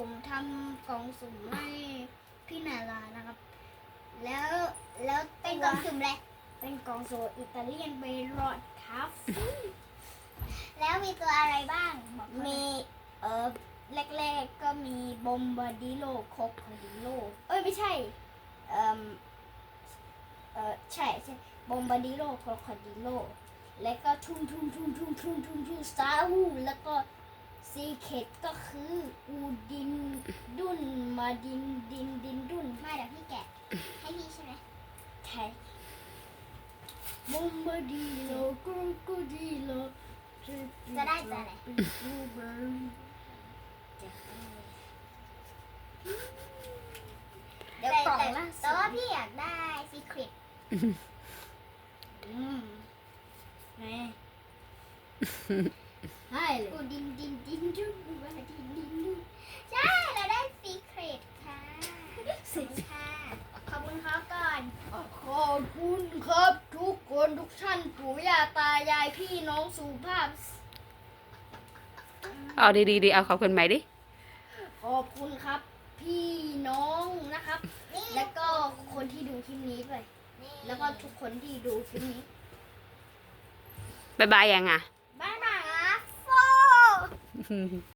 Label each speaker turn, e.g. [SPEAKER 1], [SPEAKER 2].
[SPEAKER 1] ผมทำกล่องสุ่มให้พี่นารานะครับ แล้ว
[SPEAKER 2] เป็นกล่องสุ่มเลย
[SPEAKER 1] เป็นกล่องสุ่มอิตาเลียนเบรอดครับ
[SPEAKER 2] แล้วมีตัวอะไรบ้างบอกเขาหน่
[SPEAKER 1] มี
[SPEAKER 2] อย
[SPEAKER 1] แรกๆก็มีบอมบาดิโลโคคาดิโลไม่ใช่ใช่บอมบาดิโลโคคาดิโลแล้วก็ทุ่งซาฮูแล้วก็ซีเคตก็คืออูดินดุนมาดินดุน
[SPEAKER 2] มาเดี๋ยวพี่แกะให้พี่ใช่ไหม
[SPEAKER 1] ใช่บอมบาดิโลโคคาดิโล
[SPEAKER 2] จะได้ตัวอะไร
[SPEAKER 1] เดี๋ยวกล่องล่า
[SPEAKER 2] แต่
[SPEAKER 1] สุ
[SPEAKER 2] ว่า
[SPEAKER 1] ด
[SPEAKER 2] พี่อยากได้ซีเครต
[SPEAKER 1] แม่ให้เลย
[SPEAKER 2] อูดินดุนว่าดินใช่เราได้ซีเครตค่ะขอบคุณครับก่อน
[SPEAKER 1] ขอบคุณครับทุกคนทุกท่านปู่ย่าตายายพี่น้องสุภาพ
[SPEAKER 3] เอาดีๆเอาขอบคุณไหมดิ
[SPEAKER 1] ขอบคุณครับ พี่น้องนะครับ
[SPEAKER 2] นี่
[SPEAKER 1] แล้วก็คนที่ดูคลิปนี้ด้วย
[SPEAKER 2] นี่
[SPEAKER 1] แล้วก็ทุกคนที่ดูคลิปนี้
[SPEAKER 3] บ๊ายบายยังอ่ะ
[SPEAKER 1] บ๊ายบาย
[SPEAKER 2] อ่ะโฟ